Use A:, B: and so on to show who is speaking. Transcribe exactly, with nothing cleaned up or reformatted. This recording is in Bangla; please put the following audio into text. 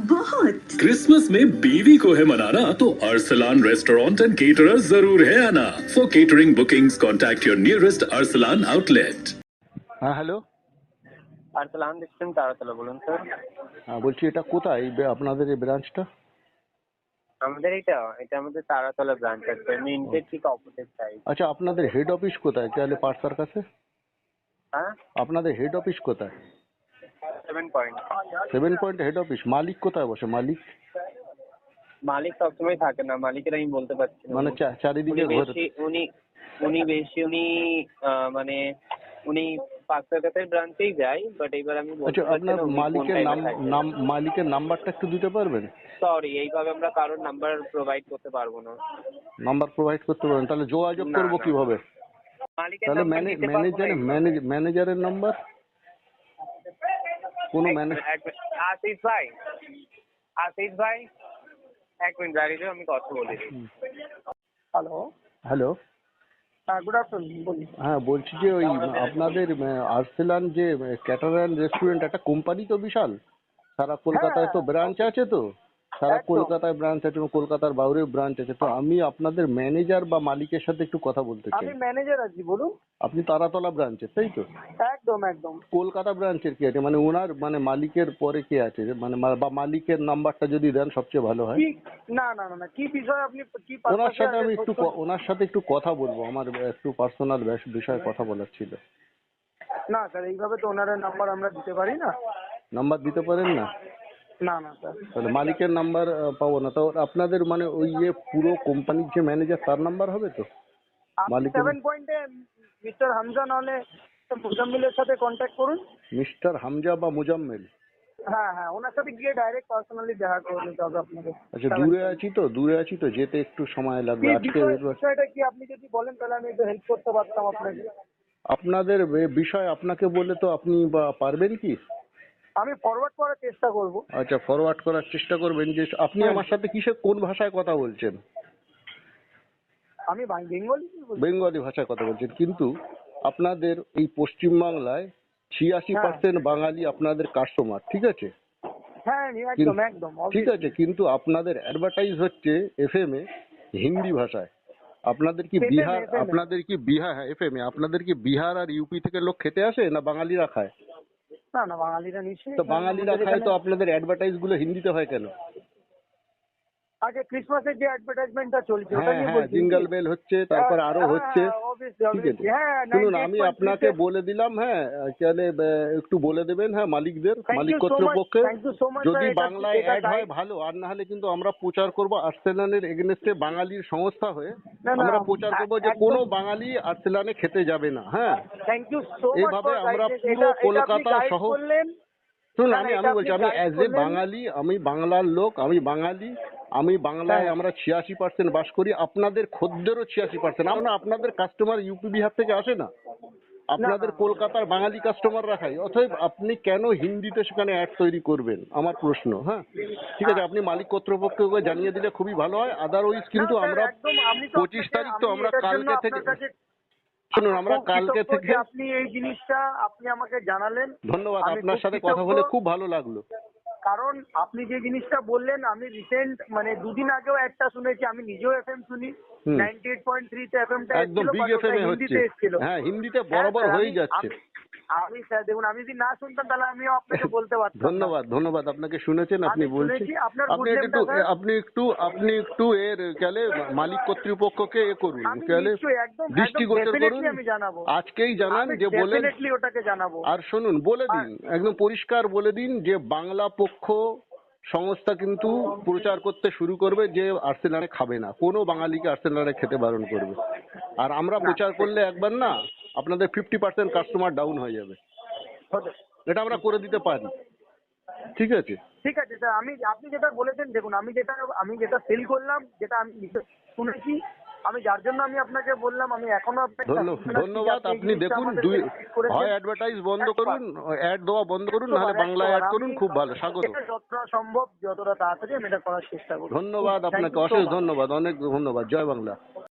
A: बहुत।
B: क्रिसमस में बीवी को है मनाना तो अरसलान रेस्टोरेंट एंड केटरर जरूर है आना। For catering bookings contact your nearest Arsalan outlet.
C: হ্যাঁ হ্যালো।
D: আরসালান রেস্টুরেন্ট তারাতলা, বলুন স্যার।
C: হ্যাঁ বলছি, এটা কোথায় এই বে- আপনাদের এই ব্রাঞ্চটা?
D: আমাদের এটা এটা আমাদের তারাতলা ব্রাঞ্চ আছে, মিন্টের ঠিক অপোজিট সাইড।
C: আচ্ছা, আপনাদের হেড অফিস কোথায়? তাহলে পার্সার কাছে?
D: হ্যাঁ,
C: আপনাদের হেড অফিস কোথায়?
D: Seven point.
C: Seven point head office. মালিক কোথায় বসে? মালিক
D: মালিক সবসময় থাকে না, মালিকের আমি বলতে পারছি না।
C: মানে চা- চারিদিকে
D: উনি
C: ঘোরে।
D: বেশি উনি উনি বেশি উনি আহ, মানে উনি পাঁচটাকাতের ব্রাঞ্চেই যায়, বাট এবার আমি বলতে
C: আচ্ছা,
D: পারছি
C: আপনার
D: না উনি কোন
C: মালিকের নাম
D: টাইমে থাকে।
C: নাম মালিকের নাম্বারটা একটু দিতে পারবেন?
D: সরি, এইভাবে আমরা কারোর নাম্বার প্রোভাইড করতে পারবো না।
C: নাম্বার প্রোভাইড করতে পারবেন? তাহলে যোগাযোগ
D: না,
C: করবো
D: না।
C: কিভাবে?
D: মালিকের
C: তাহলে
D: নাম্বার দিতে পারবো না
C: ম্যানেজার
D: এইভাবে।
C: ম্যানেজারের নাম্বার কোনো
D: এক-
C: ম্যানেজ
D: এক মিনিট। আশিস ভাই, আশিস ভাই এক মিনিট দাঁড়িয়ে যাও, আমি কথা বলি। Hello,
C: hello.
D: হ্যাঁ, গুড আফটারনুন, বলি।
C: হ্যাঁ বলছি যে ওই আপনাদের আরসেলান যে ক্যাটারান রেস্টুরেন্ট, একটা কোম্পানি তো বিশাল, সারা কলকাতায় তো ব্রাঞ্চ আছে, তো সারা
D: একদম।
C: কলকাতায় ব্রাঞ্চ আছে, কলকাতার বাইরেও ব্রাঞ্চ আছে, তো আমি আপনাদের ম্যানেজার বা মালিকের সাথে একটু কথা বলতে চাই।
D: আমি ম্যানেজার আছি, বলুন।
C: আপনি তারাতলা ব্রাঞ্চের, তাই তো?
D: একদম একদম।
C: কলকাতা ব্রাঞ্চের কি আছে, মানে ওনার মানে মালিকের পরে কে আছে, মানে মা- বা মালিকের নাম্বারটা যদি দেন সবচেয়ে ভালো হয়।
D: কি না না না না কি বিষয় আপনি কি
C: ওনার
D: purpose এ
C: সাথে আমি
D: আগে
C: একটু
D: খোঁজ
C: ক- ওনার সাথে একটু কথা বলবো, আমার একটু পার্সোনাল বিষয়ে কথা বলার ছিল।
D: করছেন? না স্যার, এইভাবে তো ওনারের নাম্বার আমরা দিতে পারি না।
C: নাম্বার দিতে পারেন না?
D: না না স্যার।
C: তাহলে মালিকের নাম্বার পাবো না, তো আপনাদের মানে ওই যে পুরো কোম্পানির যে ম্যানেজার, তার নাম্বার হবে তো?
D: আপনি
C: মালিকের
D: সেভেন পয়েন্টে মিস্টার হামজা নাহলে মুজাম্মিলের সাথে কন্ট্যাক্ট করুন।
C: মিস্টার হামজা বা মুজাম্মেল?
D: হ্যাঁ হ্যাঁ, ওনার সাথে গিয়ে ডাইরেক্ট পার্সোনালি দেখা করে নিতে হবে আপনাকে।
C: আচ্ছা, দূরে আছি তো দূরে আছি তো যেতে একটু সময় লাগবে
D: কি
C: আজকে।
D: বিষয়- বিষয়টা কি আপনি যদি বলেন তাহলে আমি একটু হেল্প করতে পারতাম আপনাকে।
C: আপনাদের এ বিষয় আপনাকে বলে তো আপনি বা পারবেন কি?
D: আমি ফরওয়ার্ড করার চেষ্টা করব।
C: আচ্ছা, ফরওয়ার্ড করার চেষ্টা করবেন। যে আপনি আমার সাথে কিসে কোন ভাষায় কথা বলছেন?
D: আমি বেঙ্গলি বলছি।
C: বেঙ্গলি ভাষায় কথা বলছেন, কিন্তু আপনাদের এই পশ্চিমবাংলায় ছিয়াশি পার্সেন্ট বাঙালি আপনাদের কাস্টমার, ঠিক আছে?
D: হ্যাঁ একদম
C: কিন্তু-
D: একদম
C: ঠিক আছে, কিন্তু আপনাদের অ্যাডভার্টাইজ হচ্ছে এফএম এ হিন্দি ভাষায়। আপনাদের কি
D: এফ এম এ,
C: বিহার
D: এফ এম এ।
C: আপনাদের কি বিহার হ্যাঁ এফএম এ আপনাদের কি বিহার আর ইউপি থেকে লোক খেতে আসে, না বাঙালিরা খায়?
D: না না, বাঙালিরা নিশ্চয়ই।
C: তো বাঙালিরা
D: আমাদের
C: খায়, তো
D: এখানে-
C: আপনাদের অ্যাডভার্টাইজ গুলো হিন্দিতে হয় কেন?
D: আগে ক্রিসমাসের যে অ্যাডভার্টাইজমেন্টটা চলছে ওটা
C: হ্যাঁ
D: নিয়ে
C: হ্যাঁ,
D: বলছি।
C: জিঙ্গল বেল হচ্ছে, তারপর আরো
D: হ্যাঁ,
C: হচ্ছে,
D: হ্যাঁ, obviously,
C: ঠিক আছে?
D: obviously, হ্যাঁ,
C: শুনুন,
D: ninety-eight
C: আমি
D: point three
C: আপনাকে
D: তে-
C: বলে দিলাম, হ্যাঁ তাহলে আহ, একটু বলে দেবেন, হ্যাঁ মালিকদের,
D: Thank
C: Malik
D: you so much,
C: কর্তৃপক্ষে,
D: thank you so much,
C: যদি
D: sir, এটা-
C: বাংলায়
D: এটা
C: অ্যাড হয়
D: guide-
C: ভালো, আর না হলে কিন্তু আমরা প্রচার করব আর্সেনালের এগেনস্টে, বাঙালির সংস্থা হয়ে
D: না, না,
C: আমরা প্রচার করব যে
D: একদম-
C: কোনো বাঙালি আর্সেনালে খেতে যাবে না। হ্যাঁ,
D: Thank you so much
C: এইভাবে
D: for
C: আমরা
D: guidance.
C: পুরো
D: এটা- এটা আপনি
C: কলকাতা
D: guide
C: সহ-
D: করলেন।
C: শুনুন,
D: না,
C: আমি
D: না,
C: আমি
D: এটা
C: বলছি,
D: আপনি
C: আমি
D: guide
C: অ্যাজ এ
D: করলেন।
C: বাঙালি, আমি বাংলার লোক, আমি বাঙালি, আমি বাংলায়,
D: হ্যাঁ।
C: আমরা ছিয়াশি পার্সেন্ট বাস করি, আপনাদের খদ্দেরও ছিয়াশি পার্সেন্ট। আমরা আপনাদের কাস্টমার ইউপি বিহার থেকে আসে না, আপনাদের
D: না।
C: কলকাতার বাঙালি কাস্টমার রাখাই। অতএব আপনি কেন হিন্দিতে সেখানে অ্যাড তৈরি করবেন, আমার প্রশ্ন। হ্যাঁ ঠিক আছে, আপনি মালিক কর্তৃপক্ষকে জানিয়ে দিলে খুবই ভালো হয়। আদারওয়াইজ কিন্তু
D: না, স্যার,
C: আমরা
D: একদম, আমি তো
C: পঁচিশ
D: আপনাকে-
C: তারিখ তো
D: আমি
C: আমরা
D: এটার জন্য
C: কালকে থেকে,
D: আপনার কাছে
C: শুনুন, আমরা
D: খুব
C: কালকে
D: কৃতজ্ঞ
C: থেকে,
D: যে আপনি এই জিনিসটা আপনি আমাকে জানালেন।
C: ধন্যবাদ,
D: আমি
C: আপনার
D: খুব
C: সাথে কথা
D: কৃতজ্ঞ।
C: বলে খুব ভালো লাগলো।
D: কারণ আপনি যে জিনিসটা বললেন, আমি রিসেন্ট মানে দুদিন আগেও একটা শুনেছি, আমি নিজেও এফএম শুনি,
C: হুম।
D: নাইনটি এইট পয়েন্ট থ্রি তে এফএমটা
C: একদম
D: এসেছিল,
C: বিগ
D: but ওটা
C: এফএম এ হচ্ছে,
D: হিন্দিতে এসেছিল।
C: হ্যাঁ হিন্দিতে
D: হ্যাঁ,
C: বরাবর
D: স্যার,
C: হয়ে
D: আমি-
C: যাচ্ছে।
D: আমি- আমি স্যার দেখুন, আমি যদি না শুনতাম তাহলে আমিও আপনাকে বলতে পারতাম না।
C: ধন্যবাদ ধন্যবাদ, আপনাকে শুনেছেন, আপনি
D: আমি
C: বলছেন,
D: শুনেছি, আপনার
C: আপনি
D: good
C: একটু
D: name টা, স্যার?
C: আপনি একটু আপনি একটু এর কেলে মালিক কর্তৃপক্ষকে এ করুন,
D: আমি
C: কেলে
D: নিশ্চয়ই একদম
C: দৃষ্টিগোচর
D: একদম
C: করুন,
D: definitely আমি জানাবো।
C: আজকেই জানান,
D: আমি
C: যে বলেন।
D: definitely ওটাকে জানাবো।
C: আর শুনুন, বলে দিন, একদম পরিষ্কার বলে দিন যে বাংলা পক্ষ সংস্থা কিন্তু প্রচার করতে শুরু করবে যে আর্সেনালে খাবে না, কোনো বাঙালিকে আর্সেনালে খেতে বারণ করবে। আর আমরা প্রচার করলে একবার না আপনাদের ফিফটি পার্সেন্ট কাস্টমার ডাউন হয়ে যাবে,
D: হতে-
C: এটা আমরা করে দিতে পারি, ঠিক আছে?
D: ঠিক আছে স্যার, আমি আপনি যেটা বলেছেন, দেখুন আমি যেটা আমি যেটা ফিল করলাম, যেটা আমি নিজে শুনেছি, আমি যার জন্য আমি আপনাকে বললাম, আমি এখনো আপনাকে
C: ধন্য- ধন্যবাদ, আপনি দেখুন, দুই হয় অ্যাডভার্টাইজ বন্ধ করুন, অ্যাড দেওয়া বন্ধ করুন, নাহলে বাংলায় অ্যাড করুন, খুব ভালো, স্বাগত।
D: যতটা সম্ভব যতটা তাড়াতাড়ি আমি এটা করার চেষ্টা করব।
C: ধন্যবাদ
D: Thank
C: আপনাকে,
D: you so
C: অশেষ
D: much.
C: ধন্যবাদ, অনেক ধন্যবাদ। জয় বাংলা।